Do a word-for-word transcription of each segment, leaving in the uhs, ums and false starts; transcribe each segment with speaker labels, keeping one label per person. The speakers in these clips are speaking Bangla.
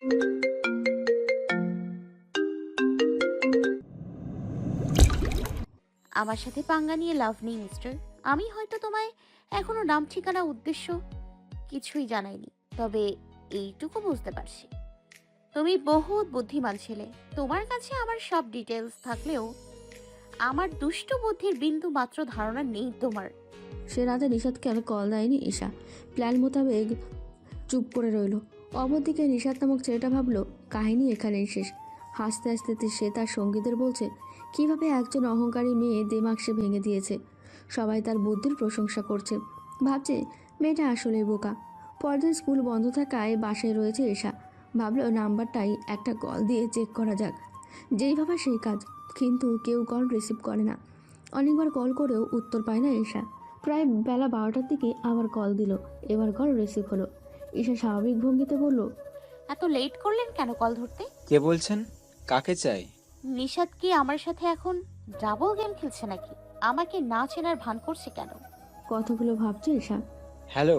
Speaker 1: আমার সাথে পাঙ্গা নিয়ে লাভ নেই মিস্টার। আমি হয়তো তোমায় এখনো নাম ঠিকানা উদ্দেশ্য কিছুই জানাইনি, তবে এইটুকু বুঝতে পারছি তুমি বহুত বুদ্ধিমান ছেলে। তোমার কাছে আমার সব ডিটেলস থাকলেও আমার দুষ্টু বুদ্ধির বিন্দু মাত্র ধারণা নেই তোমার।
Speaker 2: সে রাতে নিশাদকে আর কল দেয়নি ঈশা। প্ল্যান মোতাবেক চুপ করে রইল। অপরদিকে নিশাদ নামক ছেলেটা ভাবলো কাহিনী এখানেই শেষ। হাসতে হাসতে সে তার সঙ্গীদের বলছে কিভাবে একজন অহংকারী মেয়ে দিমাগ সে ভেঙে দিয়েছে। সবাই তার বুদ্ধির প্রশংসা করছে, ভাবছে মেয়েটা আসলে বোকা। পরদিন স্কুল বন্ধ থাকায় বাসায় রয়েছে ঈশা। ভাবলো নাম্বারটাই একটা কল দিয়ে চেক করা যাক। যেই ভাবা সেই কাজ, কিন্তু কেউ কল রিসিভ করে না। অনেকবার কল করেও উত্তর পায় না ঈশা। প্রায় বেলা বারোটার দিকে আবার কল দিল। এবার কল রিসিভ হলো। ঈশা স্বাভাবিক ভঙ্গিতে বলল,
Speaker 1: এত লেট করলেন কেন কল ধরতে?
Speaker 3: কে বলছেন? কাকে চাই?
Speaker 1: নিশাদ কি আমার সাথে এখন ডাবল গেম খেলছে নাকি? আমাকে না চেনার ভান করছে কেন?
Speaker 2: কথাগুলো ভাবছে ঈশা।
Speaker 3: হ্যালো,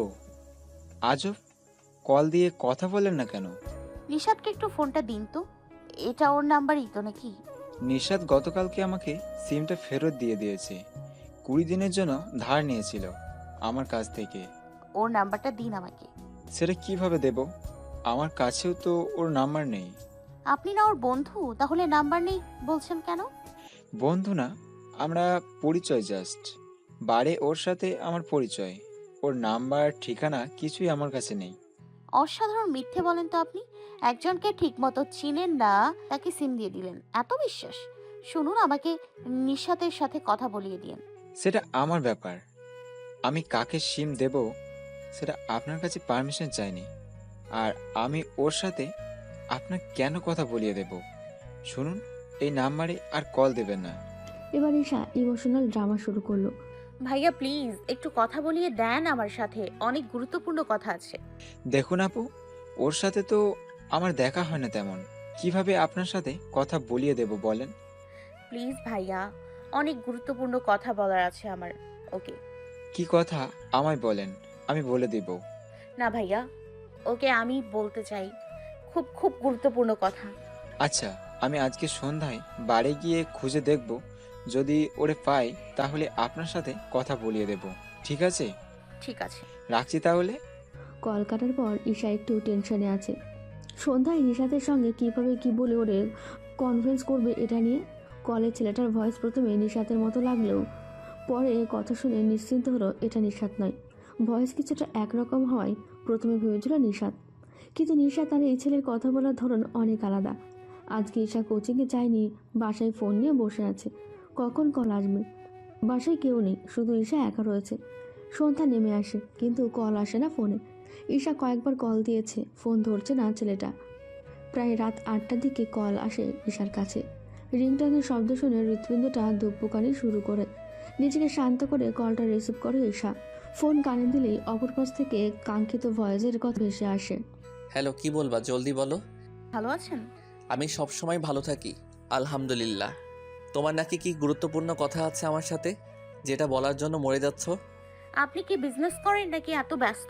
Speaker 3: আজব, কল দিয়ে কথা বলেন না কেন?
Speaker 1: নিশাদকে একটু ফোনটা দিন তো। এটা ওর নাম্বারই তো নাকি?
Speaker 3: নিশাদ গতকালকে আমাকে সিমটা ফেরত দিয়ে দিয়েছে। কুড়ি দিনের জন্য ধার নিয়েছিল আমার কাছ থেকে।
Speaker 1: ওর নাম্বারটা দিন আমাকে।
Speaker 3: সেটা কিভাবে দেব? আমার কাছেও তো ওর নাম্বার নেই।
Speaker 1: আপনি না ওর বন্ধু, তাহলে নাম্বার নেই বলছেন কেন?
Speaker 3: বন্ধু না, আমরা পরিচয় জাস্ট। বারে ওর সাথে আমার পরিচয়। ওর নাম্বার ঠিকানা কিছুই আমার কাছে নেই।
Speaker 1: অসাধারণ মিথ্যে বলেন তো আপনি। একজনকে ঠিক মতো চিনেন না, তাকে সিম দিয়ে দিলেন, এত বিশ্বাস? শুনুন, আমাকে নিশাতের সাথে কথা বলিয়ে দিন।
Speaker 3: সেটা আমার ব্যাপার। আমি কাকে সিম দেব সেটা আপনার কাছে পারমিশন চাইনি। আর আমি ওর সাথে আপনার কেন কথা বলিয়ে দেব? শুনুন, এই নাম্বারে আর কল দেবেন না।
Speaker 2: এবার ঈশা ইমোশনাল ড্রামা শুরু করলো।
Speaker 1: ভাইয়া প্লিজ একটু কথা বলিয়ে দেন, আমার সাথে অনেক গুরুত্বপূর্ণ কথা আছে।
Speaker 3: দেখুন আপু, ওর সাথে তো আমার দেখা হয় না তেমন। কিভাবে আপনার সাথে কথা বলিয়ে দেব বলেন?
Speaker 1: প্লিজ ভাইয়া, অনেক গুরুত্বপূর্ণ কথা বলার আছে আমার। ওকে।
Speaker 3: কি কথা আমায় বলেন, আমি বলে দেব।
Speaker 1: না ভাইয়া, ওকে আমি বলতে চাই, খুব খুব গুরুত্বপূর্ণ কথা।
Speaker 3: আচ্ছা, আমি আজকে সন্ধ্যায় বাড়ি গিয়ে খুঁজে দেখব। যদি ওরে পাই তাহলে আপনার সাথে কথা বলিয়ে দেব, ঠিক আছে?
Speaker 1: ঠিক আছে।
Speaker 3: রাখছি তাহলে।
Speaker 2: কল কাটার পর ঈশা একটু টেনশনে আছে। সন্ধ্যায় নিশাতের সঙ্গে কিভাবে কি বলে ওরে কনফারেন্স করবে এটা নিয়ে। কলের ছেলেটার ভয়েস প্রথমে নিশাতের মতো লাগলেও পরে কথা শুনে নিশ্চিন্ত হলো এটা নিশাত নয়। ভয়েস কিছুটা একরকম হওয়ায় প্রথমে ভেবেছিল নিশাত, কিন্তু নিশাত আর এই ছেলের কথা বলার ধরন অনেক আলাদা। আজকে ঈশা কোচিংয়ে যায়নি, বাসায় ফোন নিয়ে বসে আছে। কখন কল আসবে? বাসায় কেউ নেই, শুধু ঈশা একা রয়েছে। সন্ধ্যা নেমে আসে, কিন্তু কল আসে না ফোনে। ঈশা কয়েকবার কল দিয়েছে, ফোন ধরছে না ছেলেটা। প্রায় রাত আটটার দিকে কল আসে ঈশার কাছে। রিংটনের শব্দ শুনে হৃৎপিণ্ডটা ধুকপুকানি শুরু করে। নিজেকে শান্ত করে কলটা রিসিভ করে ঈশা। ফোন কানে দিলেই অপর পাশ থেকে কাঙ্ক্ষিত ভয়েসের কথা ভেসে আসে।
Speaker 4: হ্যালো, কি বলবা জলদি বলো।
Speaker 1: ভালো আছেন?
Speaker 4: আমি সব সময় ভালো থাকি, আলহামদুলিল্লাহ। তোমার নাকি কি গুরুত্বপূর্ণ কথা আছে আমার সাথে, যেটা বলার জন্য মরে যাচ্ছ?
Speaker 1: আপনি কি বিজনেস করেন নাকি এত ব্যস্ত?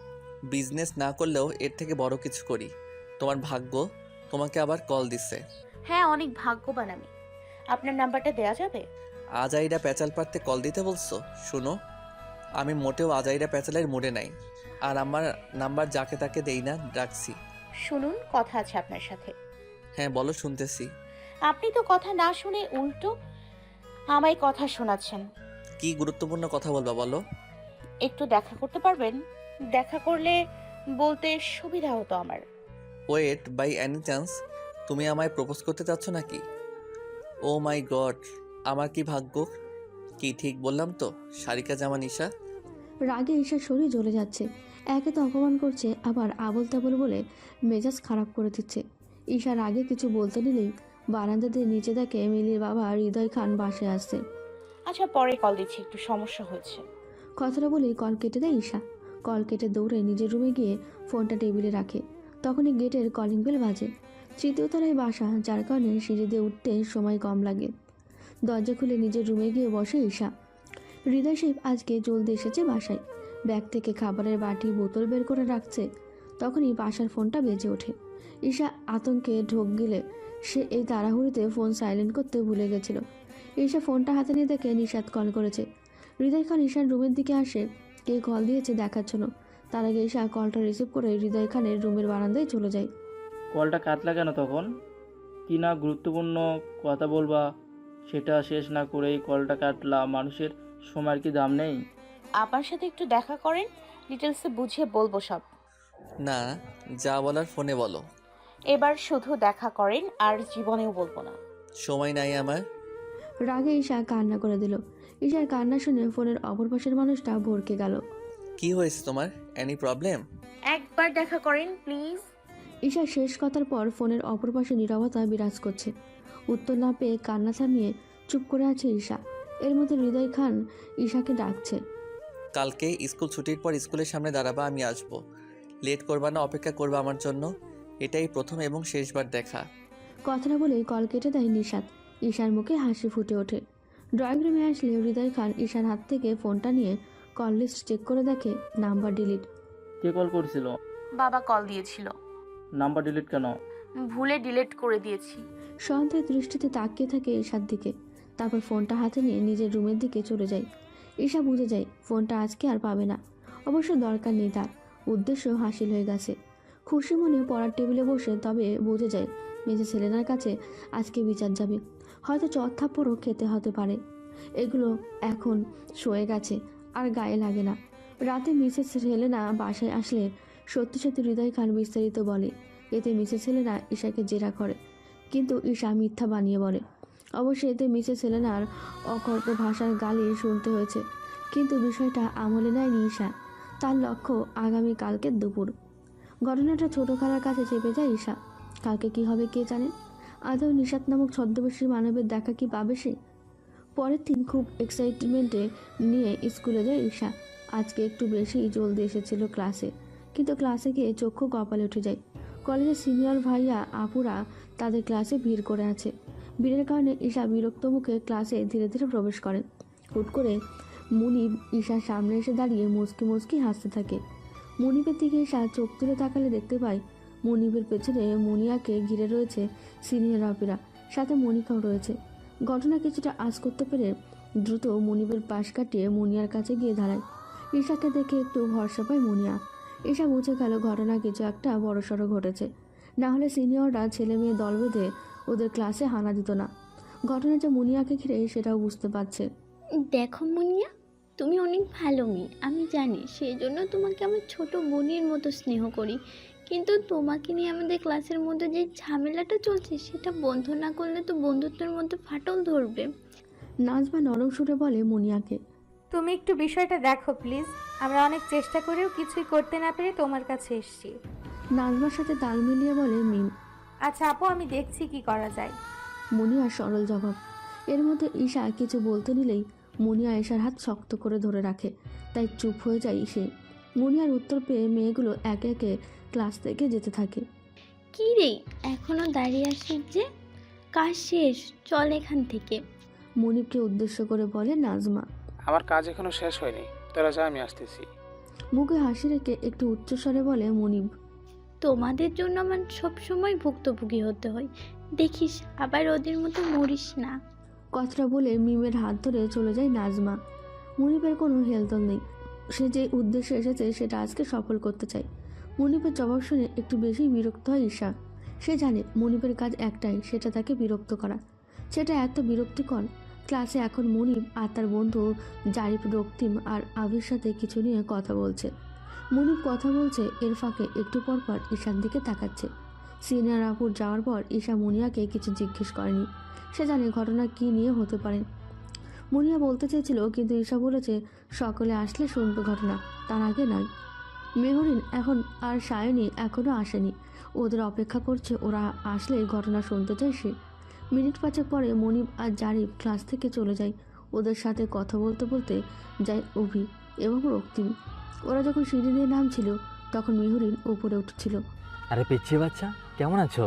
Speaker 4: বিজনেস না করলেও এর থেকে বড় কিছু করি। তোমার ভাগ্য তোমাকে আবার কল দিচ্ছে।
Speaker 1: হ্যাঁ, অনেক ভাগ্যবান আমি। আপনার নাম্বারটা দেয়া যাবে?
Speaker 4: আজাইরা প্যাচাল পারতে কল দিতে বলছো? শুনো, আমি মোটেও আজাইরা প্যাচালের মুডে নাই। আর আমার নাম্বার যাকে তাকে দেই না, রাখছি।
Speaker 1: শুনুন, কথা আছে আপনার সাথে।
Speaker 4: হ্যাঁ বলো, শুনতেছি।
Speaker 1: আপনি তো কথা না শুনে উল্টো আমায় কথা শোনাচ্ছেন।
Speaker 4: কি গুরুত্বপূর্ণ কথা বলবা বলো।
Speaker 1: একটু দেখা করতে পারবেন? দেখা করলে বলতে সুবিধা হতো আমার।
Speaker 4: ওয়েট, বাই এনি চান্স তুমি আমায় প্রপোজ করতে চাচ্ছ নাকি? ও মাই গড, আমার কি ভাগ্য! কি ঠিক বললাম তো, সারিকা জামান ঈশা?
Speaker 2: রাগে ঈশার শরীর জ্বলে যাচ্ছে। একে তো অপমান করছে, আবার আবল তাবল বলে মেজাজ খারাপ করে দিচ্ছে। ঈশার আগে কিছু বলতে নিলেই বারান্দা দিয়ে নিচে দেখে মিলির বাবা হৃদয় খান বাসে আসছে।
Speaker 1: আচ্ছা, পরে কল দিচ্ছি, একটু সমস্যা হয়েছে।
Speaker 2: কথাটা বলেই কল কেটে দেয় ঈশা। কল কেটে দৌড়ে নিজের রুমে গিয়ে ফোনটা টেবিলে রাখে। তখনই গেটের কলিং বেল বাজে। তৃতীয় তলায় বাসা, যার কারণে সিঁড়ি দিয়ে উঠতে সময় কম লাগে। দরজা খুলে নিজের রুমে গিয়ে বসে ঈশা। হৃদয় সাহেব আজকে জলদি এসেছে বাসায়। ব্যাগ থেকে খাবারের বাটি বোতল বের করে রাখছে। তখনই বাসার ফোনটা বেজে ওঠে। ঈশা আতঙ্কে ঢোক গিলে সে এই তাড়াহুড়িতে ফোন সাইলেন্ট করতে ভুলে গেছিল। ঈশা ফোনটা হাতে নিয়ে দেখে নিশাত কল করেছে। হৃদয় খান ঈশার রুমের দিকে আসে কে কল দিয়েছে দেখার জন্য। তার আগে ঈশা কলটা রিসিভ করে হৃদয় খানের রুমের বারান্দায় চলে যায়।
Speaker 5: কলটা কাটলা কেন তখন? কি না গুরুত্বপূর্ণ কথা বলবা সেটা শেষ না করেই কলটা কাটলা? মানুষের সময়ের কি দাম নেই?
Speaker 1: আপনার সাথে একটু দেখা করেন, ডিটেলসে বুঝিয়ে বলবো সব।
Speaker 4: না, যা বলার ফোনে বলো।
Speaker 1: এবার শুধু দেখা করেন, আর জীবনেও বলবো না।
Speaker 4: সময় নাই আমার।
Speaker 2: রাগে ঈশা কান্না করে দিল। ঈশার কান্না শুনে ফোনের অপর পাশের মানুষটা ভরকে গেল।
Speaker 4: কি হয়েছে তোমার? Any problem?
Speaker 1: একবার দেখা করেন প্লিজ।
Speaker 2: ঈশার শেষ কথার পর ফোনের অপর পাশে নীরবতা বিরাজ করছে। উত্তর না পেয়ে কান্না থামিয়ে চুপ করে আছে ঈশা। এর মধ্যে হৃদয় খান ঈশাকে ডাকছে।
Speaker 4: কালকে স্কুল ছুটির পর স্কুলের সামনে দাঁড়াবা, আমি আসবো। লেট করবা না, অপেক্ষা করবা আমার জন্য। এটাই প্রথম এবং শেষবার দেখা।
Speaker 2: কথাটা বলেই কল কেটে দেয় নিশাত। ঈশার মুখে হাসি ফুটে ওঠে। ড্রয়িং রুমে আসলে হৃদয় খান ঈশার হাত থেকে ফোনটা নিয়ে কল লিস্ট চেক করে দেখে নাম্বার ডিলিট।
Speaker 5: কে কল করেছিল?
Speaker 1: বাবা কল দিয়েছিল।
Speaker 5: নাম্বার ডিলিট কেন?
Speaker 1: ভুলে ডিলিট করে দিয়েছি।
Speaker 2: সন্দেহ দৃষ্টিতে তাকিয়ে থাকে ঈশার দিকে। তারপর ফোনটা হাতে নিয়ে নিজের রুমের দিকে চলে যায়। ঈশা বুঝে যায় ফোনটা আজকে আর পাবে না। অবশ্য দরকার নেই, তার উদ্দেশ্য হাসিল হয়ে গেছে। খুশি মনে পড়ার টেবিলে বসে তবে বুঝে যায় মেজে সেলেনার কাছে আজকে বিচার যাবে। হয়তো চর থাপ্পড়ও খেতে হতে পারে। এগুলো এখন সয়ে গেছে, আর গায়ে লাগে না। রাতে মিসেস সেলেনা বাসায় আসলে সত্যি সত্যি হৃদয় খান বিস্তারিত বলে। এতে মিসেস সেলেনা ঈশাকে জেরা করে, কিন্তু ঈশা মিথ্যা বানিয়ে বলে। অবশ্যই এতে মিসেস সেলেনার অকর্ক ভাষার গালি শুনতে হয়েছে, কিন্তু বিষয়টা আমলে নেয়নি ঈশা। তার লক্ষ্য আগামী কালকের দুপুর। ঘটনাটা ছোট খালার কাছে চেপে যায় ঈশা। কালকে কি হবে কে জানে। আদৌ নিশাত নামক ছদ্মবেশী মানবের দেখা কি পাবে সে? পরের দিন খুব এক্সাইটমেন্টে নিয়ে স্কুলে যায় ঈশা। আজকে একটু বেশি জলদি এসেছিল ক্লাসে, কিন্তু ক্লাসে গিয়ে চক্ষু কপালে উঠে যায়। কলেজের সিনিয়র ভাইয়া আপুরা তাদের ক্লাসে ভিড় করে আছে। ভিড়ের কারণে ঈশা বিরক্ত মুখে ক্লাসে ধীরে ধীরে প্রবেশ করে। হুট করে মুনিব ঈশার সামনে এসে দাঁড়িয়ে মুচকি মুচকি হাসতে থাকে। মুনিবের দিকে ঈশা চোখ তুলে তাকালে দেখতে পায় মুনিবের পেছনে মুনিয়াকে ঘিরে রয়েছে সিনিয়র আপিরা, সাথে মনিকাও রয়েছে। ঘটনা কিছুটা আঁচ করতে পেরে দ্রুত মুনিবের পাশ কাটিয়ে মুনিয়ার কাছে গিয়ে দাঁড়ায়। ঈশাকে দেখে একটু ভরসা পায় মুনিয়া। ঈশা বুঝে গেল ঘটনা কিছু একটা বড়সড় ঘটেছে, না হলে সিনিয়ররা ছেলে মেয়ে দল বেঁধে ওদের ক্লাসে হানা দিত না। ঘটনা যে মুনিয়াকে ঘিরে সেটাও বুঝতে পারছে।
Speaker 6: দেখো মুনিয়া, তুমি অনেক ভালো মেয়ে, আমি জানি। সেই জন্য তোমাকে আমি ছোট বোনের মতো স্নেহ করি। কিন্তু তোমাকে নিয়ে আমাদের ক্লাসের মধ্যে যে ঝামেলাটা চলছে সেটা বন্ধ না করলে তো বন্ধুত্বের মধ্যে ফাটল ধরবে।
Speaker 2: নাজমা নরম সুরে বলে মুনিয়াকে,
Speaker 7: তুমি একটু বিষয়টা দেখো প্লিজ। আমরা অনেক চেষ্টা করেও কিছুই করতে না পেরে তোমার কাছে এসেছি।
Speaker 2: নাজমার সাথে তাল মিলিয়ে বলে মিম।
Speaker 7: আচ্ছা আপু, আমি দেখছি কি করা যায়।
Speaker 2: মুনিয়ার সরল জবাব। এর মধ্যে ঈশা কিছু বলতে নিলেই মুনিয়া ঈশার হাত শক্ত করে ধরে রাখে, তাই চুপ হয়ে যায় সে। মুনিয়ার উত্তর পেয়ে মেয়েগুলো একে একে ক্লাস থেকে যেতে থাকে।
Speaker 6: কী রে, এখনও দাঁড়িয়ে আসিস যে? কাজ শেষ, চল এখান থেকে।
Speaker 2: মুনিবকে উদ্দেশ্য করে বলে নাজমা।
Speaker 8: আমার কাজ এখনো শেষ হয়নি, তোরা যা, আমি আসতেছি।
Speaker 2: মুখে হাসি রেখে একটু উচ্চস্বরে বলে মুনিব।
Speaker 6: তোমাদের জন্য আমার সবসময় ভুক্তভোগী হতে হয়, দেখিস আবার ওদের মতো মরিস না।
Speaker 2: কথাটা বলে মিমের হাত ধরে চলে যায় নাজমা। মুনিবের কোনো হেলদোল নেই, সে যে উদ্দেশ্যে এসেছে সেটা আজকে সফল করতে চায়। মুনিবের জবাব শুনে একটু বেশি বিরক্ত হয় ঈশা। সে জানে মুনিবের কাজ একটাই, সেটা তাকে বিরক্ত করা। সেটা এত বিরক্তিকর। ক্লাসে এখন মুনিব আর তার বন্ধু জারিফ, রক্তিম আর আবির সাথে কিছু নিয়ে কথা বলছে। মুনিব কথা বলছে, এর ফাঁকে একটু পর পর ঈশার দিকে তাকাচ্ছে। সিনিয়র আপুর যাওয়ার পর ঈশা মুনিয়াকে কিছু জিজ্ঞেস করেনি। সে জানে ঘটনা কী নিয়ে হতে পারে। মুনিয়া বলতে চেয়েছিল, কিন্তু ঈশা বলেছে সকলে আসলে শুনবে ঘটনা, তার আগে নয়। মেহরিন এখন আর সায়নী এখনও আসেনি, ওদের অপেক্ষা করছে। ওরা আসলে ঘটনা শুনতে চায় সে। মিনিট পাঁচেক পরে মনিব আর জারিফ ক্লাস থেকে চলে যায়। ওদের সাথে কথা বলতে বলতে যায় অভি এবং রক্তিম। ওরা যখন সিঁড়ি দিয়ে নামছিল তখন মেহরিন উপরে উঠছিল।
Speaker 9: আরে পিচ্ছি বাচ্চা, কেমন আছো?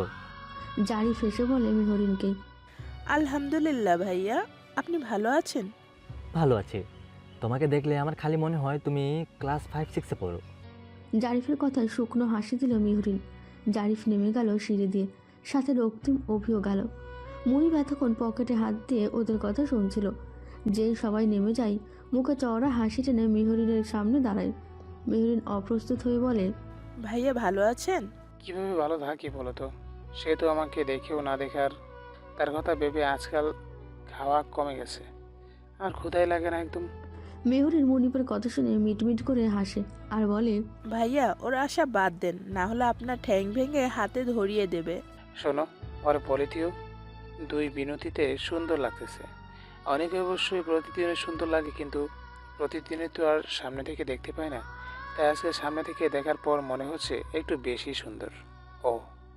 Speaker 2: জারিফ এসে বলে মেহরিনকে,
Speaker 10: আলহামদুলিল্লাহ ভাইয়া, আপনি ভালো আছেন?
Speaker 9: ভালো আছি। তোমাকে দেখলে আমার খালি মনে হয় তুমি ক্লাস ফাইভ সিক্সে পড়ো।
Speaker 2: জারিফের কথায় শুকনো হাসি দিল মেহরিন। জারিফ নেমে গেল সিঁড়ি দিয়ে, সাথে রক্তিম অভিও গেল। মুনিব এতক্ষণ পকেটে হাত দিয়ে ওদের কথা শুনছিল। যেই সবাই নেমে যায়, মুখে চওড়া হাসি টেনে মেহরিনের সামনে দাঁড়ায়। মেহরিন অপ্রস্তুত হয়ে বলে,
Speaker 10: ভাইয়া ভালো আছেন?
Speaker 8: কিভাবে ভালো থাকি বলো তো? সে তো আমাকে দেখেও না দেখার, তার কথা ভেবে আজকাল খাওয়া কমে গেছে, আর ক্ষুধাই লাগে না একদম।
Speaker 2: মেহরিন মুনিবের কথা শুনে মিটমিট করে হাসে আর বলে,
Speaker 10: ভাইয়া ওর আশা বাদ দেন, না হলে আপনার ঠ্যাং ভেঙে হাতে ধরিয়ে দেবে।
Speaker 8: শোনো, ওর পলিথিও দুই বিনতিতে সুন্দর লাগতেছে। অনেকে অবশ্যই প্রতিদিনে সুন্দর লাগে, কিন্তু প্রতিদিনে তো আর সামনে থেকে দেখতে পায় না। তাই আজকে সামনে থেকে দেখার পর মনে হচ্ছে একটু বেশি সুন্দর। ও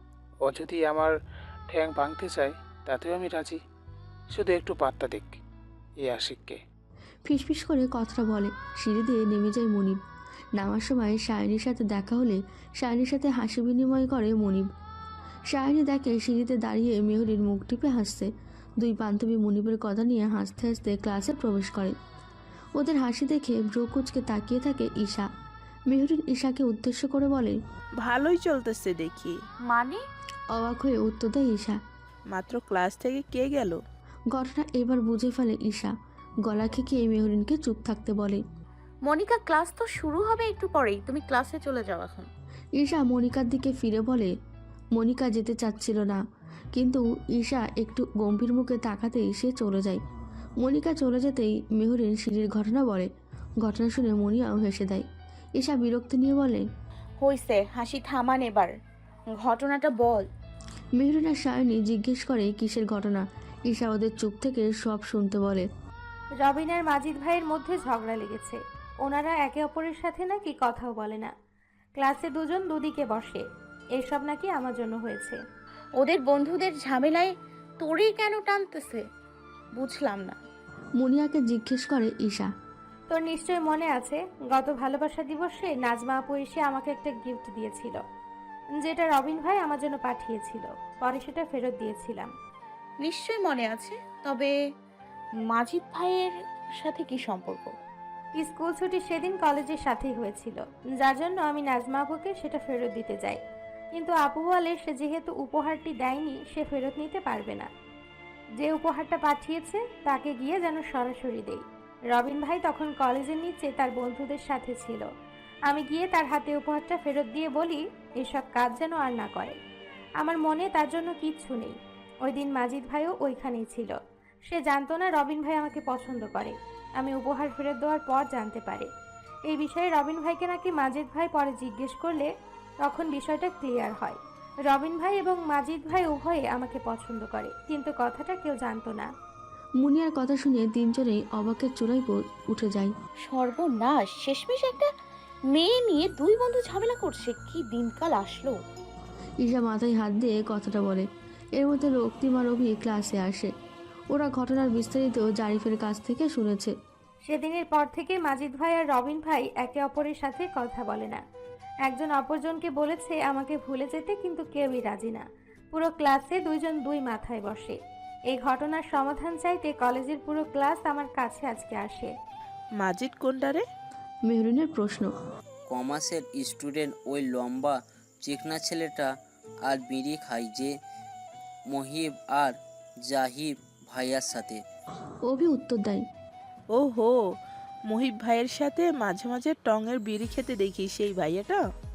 Speaker 8: ও যদি আমার ঠ্যাং ভাঙতে চায় তাতেও আমি রাজি, শুধু একটু পাত্তা দিক এই আশিককে।
Speaker 2: ফিসফিস করে কথাটা বলে। সিঁড়ি দিয়ে নেমে যায় মনিব। নামার সময় সায়নীর সাথে দেখা হলে সায়নীর সাথে হাসি বিনিময় করে মনিব। সায়নী দেখে সিঁড়িতে দাঁড়িয়ে মেহরিন মুখ টিপে হাসছে। দুই বান্ধবী মনিবের কথা নিয়ে হাসতে হাসতে ক্লাসে প্রবেশ করে। ওদের হাসি দেখে ব্রকুচকে তাকিয়ে থাকে ঈশা। মেহরিন ঈশাকে উদ্দেশ্য করে বলে,
Speaker 10: ভালোই চলতেছে দেখি।
Speaker 1: মানে?
Speaker 2: অবাক হয়ে উত্তর দেয় ঈশা।
Speaker 10: মাত্র ক্লাস থেকে কে গেল?
Speaker 2: ঘটনা এবার বুঝে ফেলে ঈশা। গলা খেকিয়ে মেহরিনকে চুপ থাকতে বলে।
Speaker 1: মনিকা, ক্লাস তো শুরু হবে একটু পরেই, তুমি ক্লাসে চলে যাও এখন।
Speaker 2: ঈশা মনিকার দিকে ফিরে বলে। মনিকা যেতে চাচ্ছিল না, কিন্তু ঈশা একটু গম্ভীর মুখে তাকাতেই সে চলে যায়। মনিকা চলে যেতেই মেহরিন সিঁড়ির ঘটনা বলে। ঘটনা শুনে মনিয়াও হেসে দেয়। ঈশা বিরক্তি নিয়ে বলে,
Speaker 1: হইছে, হাসি থামান এবার, ঘটনাটা বল।
Speaker 2: মেহরিন আর সায়নী জিজ্ঞেস করে কিসের ঘটনা। ঈশা ওদের চুপ থেকে সব শুনতে বলে।
Speaker 7: রবিন আর মাজিদ ভাইয়ের মধ্যে ঝগড়া লেগেছে। ওনারা একে অপরের সাথে নাকি কথাও বলে না। ক্লাসে দুজন দুদিকে বসে। এসব নাকি আমার জন্য হয়েছে।
Speaker 1: ওদের বন্ধুদের ঝামেলায় তোরে কেন টানতেছে বুঝলাম না।
Speaker 2: মুনিয়াকে জিজ্ঞেস করে ঈশা।
Speaker 7: তোর নিশ্চয় মনে আছে, গত ভালোবাসা দিবসে নাজমা আপু এসে আমাকে একটা গিফট দিয়েছিল, যেটা রবিন ভাই আমার জন্য পাঠিয়েছিল। পরে সেটা ফেরত দিয়েছিলাম।
Speaker 1: নিশ্চয় মনে আছে, তবে মাজিদ ভাইয়ের সাথে কি সম্পর্ক?
Speaker 7: স্কুল ছুটি সেদিন কলেজের সাথেই হয়েছিল, যার জন্য আমি নাজমা আপুকে সেটা ফেরত দিতে যাই। কিন্তু আপু বলে সে যেহেতু উপহারটি দেয়নি, সে ফেরত নিতে পারবে না। যে উপহারটা পাঠিয়েছে তাকে গিয়ে যেন সরাসরি দেই। রবিন ভাই তখন কলেজের নিচে তার বন্ধুদের সাথে ছিল। আমি গিয়ে তার হাতে উপহারটা ফেরত দিয়ে বলি এসব কাজ যেন আর না করে। আমার মনে তার জন্য কিচ্ছু নেই। ওই দিন মাজিদ ভাইও ওইখানেই ছিল। সে জানতো না রবিন ভাই আমাকে পছন্দ করে। আমি উপহার ফেরত দেওয়ার পর জানতে পারে। এই বিষয়ে রবিন ভাইকে নাকি মাজিদ ভাই পরে জিজ্ঞেস করলে তখন বিষয়টা ক্লিয়ার হয়। রবিন ভাই এবং মাজিদ ভাই উভয়ে আমাকে পছন্দ করে, কিন্তু কথাটা কেউ জানতো না।
Speaker 2: মুনিয়ার কথা শুনে তিনজনেই অবাকের চূড়ায় উঠে যায়।
Speaker 1: সর্বনাশ, শেষমেশ একটা মেয়ে নিয়ে দুই বন্ধু ঝামেলা করছে, কি দিনকাল আসলো।
Speaker 2: ঈশা মাথায় হাত দিয়ে কথাটা বলে। এর মধ্যে রক্তিম আর অভি ক্লাসে আসে। ওরা ঘটনার বিস্তারিত জারিফের কাছ থেকে শুনেছে।
Speaker 7: সেদিনের পর থেকে মাজিদ ভাই আর রবিন ভাই একে অপরের সাথে কথা বলে না। একজন অপরজনকে বলেছে আমাকে ভুলে যেতে, কিন্তু কেউই রাজি না। পুরো ক্লাসে দুইজন দুই মাথায় বসে। এই ঘটনার সমাধান চাইতে কলেজের পুরো ক্লাস আমার কাছে আজকে আসে।
Speaker 10: মাজিদ কোনটারে?
Speaker 2: মেহরিনের প্রশ্ন।
Speaker 11: কমার্সের স্টুডেন্ট, ওই লম্বা চিকনা ছেলেটা আর বিড়ি খায় যে মহিব আর জাহিব ভাইয়ার সাথে।
Speaker 2: অভি উত্তর দেয়।
Speaker 10: ও হো, মহিব ভাইয়ের সাথে মাঝে মাঝে টঙের বিড়ি খেতে দেখি সেই ভাইয়াটা।